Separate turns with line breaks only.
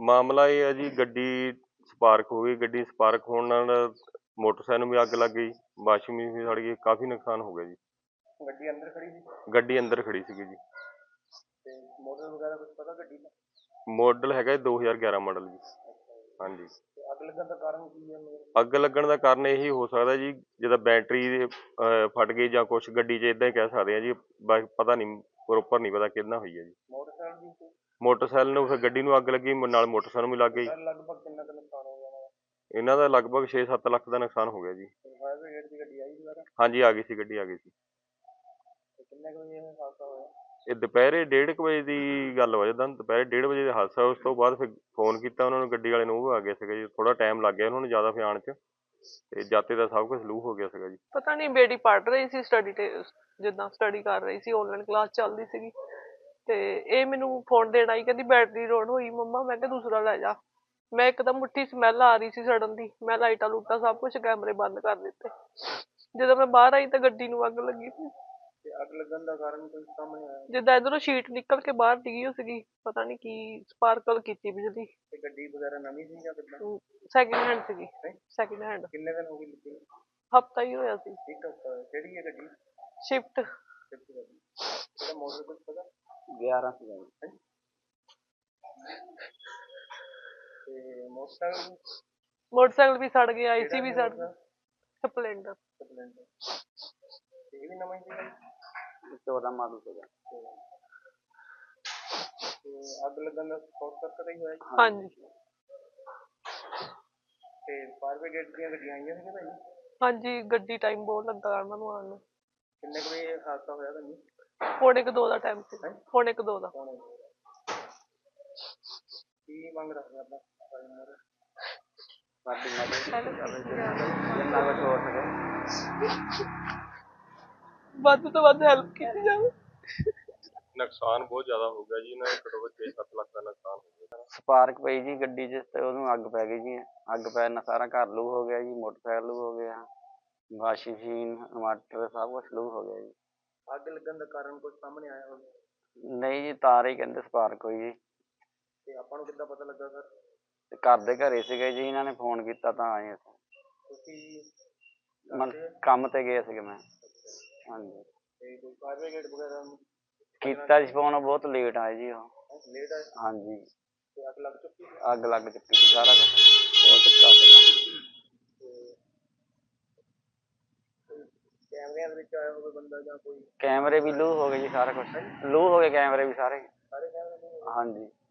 ਮਾਮਲਾ ਇਹ ਹੈ ਜੀ, ਗੱਡੀ ਸਪਾਰਕ ਹੋ ਗਈ। ਗੱਡੀ ਸਪਾਰਕ ਹੋਣ ਨਾਲ ਮੋਟਰਸਾਈਕਲ ਨੂੰ ਵੀ ਅੱਗ ਲੱਗ ਗਈ, ਵਾਸ਼ਿੰਗ ਮਸ਼ੀਨ ਵੀ ਸੜ ਗਈ, ਕਾਫੀ ਨੁਕਸਾਨ ਹੋ ਗਿਆ ਜੀ।
ਗੱਡੀ ਅੰਦਰ ਖੜੀ ਸੀ?
ਗੱਡੀ ਅੰਦਰ ਖੜੀ ਸੀਗੀ ਜੀ।
ਤੇ ਮਾਡਲ ਵਗੈਰਾ ਕੁਝ ਪਤਾ ਗੱਡੀ ਦਾ?
ਮਾਡਲ ਹੈਗਾ 2011 ਮਾਡਲ ਜੀ। ਹਾਂਜੀ।
ਤੇ ਅੱਗ ਲੱਗਣ ਦਾ ਕਾਰਨ ਕੀ ਹੈ?
ਅੱਗ ਲੱਗਣ ਦਾ ਕਾਰਨ ਇਹੀ ਹੋ ਸਕਦਾ ਜੀ, ਜਿੱਦਾਂ ਬੈਟਰੀ ਫਟ ਗਈ ਜਾਂ ਕੁਛ ਗੱਡੀ 'ਚ, ਇੱਦਾਂ ਹੀ ਕਹਿ ਸਕਦੇ ਹਾਂ ਜੀ। ਪਤਾ ਨਹੀਂ, ਪ੍ਰੋਪਰ ਨਹੀਂ ਪਤਾ ਕਿਹਦੇ ਨਾਲ ਹੋਈ ਹੈ ਜੀ।
ਮੋਟਰਸਾਈਕਲ ਦੀ?
ਮੋਟਰਸਾਈਕਲ ਨੂੰ ਫਿਰ ਗੱਡੀ ਨੂੰ ਅੱਗ ਲੱਗੀ, ਨਾਲ ਮੋਟਰਸਾਈਕਲ ਨੂੰ ਵੀ ਲੱਗ ਗਈ।
ਲਗਭਗ ਕਿੰਨਾ ਕੁ ਨੁਕਸਾਨ ਹੋ ਗਿਆ?
ਇਹਨਾਂ ਦਾ ਲਗਭਗ 6-7 ਲੱਖ ਦਾ ਨੁਕਸਾਨ ਹੋ ਗਿਆ ਜੀ।
ਫਾਇਰ ਬ੍ਰਿਗੇਡ ਦੀ ਗੱਡੀ ਆਈ ਦੁਬਾਰਾ?
ਹਾਂਜੀ, ਆ ਗਈ ਸੀ, ਗੱਡੀ ਆ ਗਈ ਸੀ।
ਕਿੰਨੇ ਕੁ ਵਜੇ ਇਹ ਹਾਦਸਾ ਹੋਇਆ?
ਇਹ ਦੁਪਹਿਰੇ 1:30 ਵਜੇ ਦੀ ਗੱਲ ਹੋ ਜਾਂਦਾ। ਦੁਪਹਿਰੇ 1:30 ਵਜੇ ਦਾ ਹਾਦਸਾ। ਉਸ ਤੋਂ ਬਾਅਦ ਫਿਰ ਫੋਨ ਕੀਤਾ ਉਹਨਾਂ ਨੂੰ, ਗੱਡੀ ਵਾਲੇ ਨੂੰ, ਉਹ ਆ ਗਏ ਸੀਗੇ ਜੀ। ਥੋੜਾ ਟਾਈਮ ਲੱਗ ਗਿਆ ਉਹਨਾਂ ਨੂੰ ਜ਼ਿਆਦਾ ਫਿਰ ਆਉਣ 'ਚ, ਤੇ ਜਾਤੇ ਦਾ ਸਭ ਕੁਝ ਲੂ ਹੋ ਗਿਆ ਸੀਗਾ ਜੀ।
ਪਤਾ ਨਹੀਂ, ਬੇਟੀ ਪੜ੍ਹ ਰਹੀ ਸੀ ਸਟੱਡੀ ਤੇ, ਜਿੱਦਾਂ ਸਟੱਡੀ ਕਰ ਰਹੀ ਸੀ, ਆਨਲਾਈਨ ਕਲਾਸ ਚੱਲਦੀ ਸੀਗੀ, ਤੇ ਇਹ ਮੈਨੂੰ ਫੋਨ ਦੇਣ ਆਈ, ਕਹਿੰਦੀ ਬੈਟਰੀ ਲੋਡ ਹੋਈ ਮੰਮਾ। ਮੈਂ ਕਿਹਾ ਦੂਸਰਾ ਲੈ ਜਾ। ਮੈਂ ਇੱਕਦਮ ਮੁੱਠੀ ਸਮੈਲ ਆ ਰਹੀ ਸੀ ਸੜਨ ਦੀ, ਮੈਂ ਲਾਈਟਾਂ ਲੂਟਾਂ ਸਭ ਕੁਝ ਕੈਮਰੇ ਬੰਦ ਕਰ ਦਿੱਤੇ। ਜਦੋਂ ਮੈਂ ਬਾਹਰ ਆਈ ਤਾਂ ਗੱਡੀ ਨੂੰ ਅੱਗ ਲੱਗੀ ਸੀ।
ਤੇ ਅੱਗ ਲੱਗਣ ਦਾ ਕਾਰਨ ਕੋਈ ਸਾਹਮਣੇ ਆਇਆ?
ਜਿੱਦਾਂ ਇਧਰੋਂ ਸ਼ੀਟ ਨਿਕਲ ਕੇ ਬਾਹਰ ਡਿੱਗੀ ਸੀਗੀ, ਪਤਾ ਨਹੀਂ ਕੀ ਸਪਾਰਕਲ ਕੀਤੀ ਬਿਜਲੀ।
ਤੇ ਗੱਡੀ ਵਗੈਰਾ ਨਵੀਂ ਸੀ ਜਾਂ ਕਿੱਦਾਂ?
ਸੈਕਿੰਡ ਹੈਂਡ ਸੀਗੀ। Second hand.
ਕਿੰਨੇ ਦਿਨ ਹੋ ਗਏ ਲਿੱਤੀ ਨੂੰ?
ਹਫ਼ਤਾ ਹੀ ਹੋਇਆ ਸੀ।
ਇੱਕ ਹਫ਼ਤਾ ਹੋਇਆ। ਕਿਹੜੀ ਹੈ ਗੱਡੀ?
ਸ਼ਿਫਟ।
ਸ਼ਿਫਟ ਗੱਡੀ। ਇਹਦਾ ਮਾਡਲ ਕੁਝ ਪਤਾ?
11 ਸੀਗਾ ਜੀ।
ਤੇ ਮੋਟਰਸਾਈਕਲ?
ਮੋਟਰਸਾਈਕਲ ਵੀ ਸੜ ਗਿਆ, ਏਸੀ ਵੀ ਸੜ ਗਿਆ। ਸਪਲੈਂਡਰ।
ਸਪਲੈਂਡਰ। ਤੇ ਇਹ ਵੀ ਨਵਾਂ ਹੀ ਸੀਗਾ?
14 ਮਾਡਲ ਸੀਗਾ।
ਤੇ ਅੱਗ ਲੱਗਣ ਦਾ ਸ਼ਾਰਟ ਸਰਕਟ ਹੀ ਹੋਇਆ ਜੀ?
ਹਾਂਜੀ।
ਤੇ ਫਾਇਰ ਬ੍ਰਿਗੇਡ ਦੀਆਂ ਗੱਡੀਆਂ ਆਈਆਂ ਸੀਗੀਆਂ ਭਾਈ?
ਹਾਂਜੀ, ਗੱਡੀ ਟਾਈਮ ਬਹੁਤ ਲੱਗਾ ਉਹਨਾਂ ਨੂੰ ਆਉਣ ਨੂੰ।
ਕਿੰਨੇ ਕੁ ਵਜੇ ਹਾਦਸਾ ਹੋਇਆ ਤੁਹਾਨੂੰ?
1:45 ਦਾ ਟਾਈਮ ਸੀ। 1:45 ਦਾ।
ਕੀ ਮੰਗ ਰੱਖਦੇ ਆਪਾਂ
ਸਾਡੀ ਮਦਦ ਜਿੰਨਾ ਕੁਛ ਹੋ ਸਕੇ
ਵੱਧ ਤੋਂ ਵੱਧ ਹੈਲਪ ਕੀਤੀ ਜਾਵੇ।
ਨੁਕਸਾਨ ਬਹੁਤ ਜ਼ਿਆਦਾ ਹੋ ਗਿਆ ਜੀ ਇਹਨਾਂ ਦਾ, ਘੱਟੋ ਘੱਟ 6-7 ਲੱਖ ਦਾ ਨੁਕਸਾਨ ਹੋ ਗਿਆ।
ਸਪਾਰਕ ਪਈ ਜੀ ਗੱਡੀ 'ਚ, ਤੇ ਉਹਨੂੰ ਅੱਗ ਪੈ ਗਈ ਜੀ। ਅੱਗ ਪੈਣ ਨਾਲ ਸਾਰਾ ਘਰ ਲੂ ਹੋ ਗਿਆ ਜੀ, ਮੋਟਰਸਾਈਕਲ ਲੂ ਹੋ ਗਿਆ, ਵਾਸ਼ਿੰਗ ਮਸ਼ੀਨ, ਇਨਵਰਟਰ, ਸਭ ਕੁਛ ਲੂ ਹੋ ਗਿਆ ਜੀ।
ਅੱਗ ਲੱਗਣ ਦਾ ਕਾਰਨ ਕੁਝ ਸਾਹਮਣੇ ਆਇਆ ਹੋਵੇ?
ਨਹੀਂ ਜੀ, ਤਾਰ ਹੀ ਕਹਿੰਦੇ ਸਪਾਰਕ ਹੋਈ ਜੀ।
ਤੇ ਆਪਾਂ ਨੂੰ ਕਿੱਦਾਂ ਪਤਾ ਲੱਗਾ ਸਰ?
ਤੇ ਘਰ ਦੇ ਘਰੇ ਸੀਗੇ ਜੀ, ਇਹਨਾਂ ਨੇ ਫੋਨ ਕੀਤਾ ਤਾਂ ਆਏ ਅਸੀਂ।
ਤੁਸੀਂ
ਕੰਮ ਤੇ ਗਏ ਸੀਗੇ ਮੈਂ। ਹਾਂਜੀ।
ਤੇ ਕੋਈ ਫਾਇਰ ਬ੍ਰਿਗੇਡ ਵਗੈਰਾ ਨੂੰ
ਕੀਤਾ ਜੀ ਫੋਨ, ਬਹੁਤ ਲੇਟ ਆਏ ਜੀ ਉਹ।
ਲੇਟ ਆਏ?
ਹਾਂਜੀ।
ਤੇ ਅੱਗ ਲੱਗ ਚੁੱਕੀ?
ਅੱਗ ਲੱਗ ਚੁੱਕੀ ਸੀ, ਸਾਰਾ ਕੁਛ ਹੋ ਚੁੱਕਾ ਸੀਗਾ।
ਕੈਮਰਿਆਂ ਦੇ ਵਿੱਚ ਆਇਆ ਹੋਵੇ ਬੰਦਾ ਜਾਂ ਕੋਈ?
ਕੈਮਰੇ ਵੀ ਲੂ ਹੋ ਗਏ ਜੀ, ਸਾਰਾ ਕੁਛ ਲੂ ਹੋ ਗਏ, ਕੈਮਰੇ ਵੀ ਸਾਰੇ।
ਸਾਰੇ ਕੈਮਰੇ?
ਹਾਂਜੀ।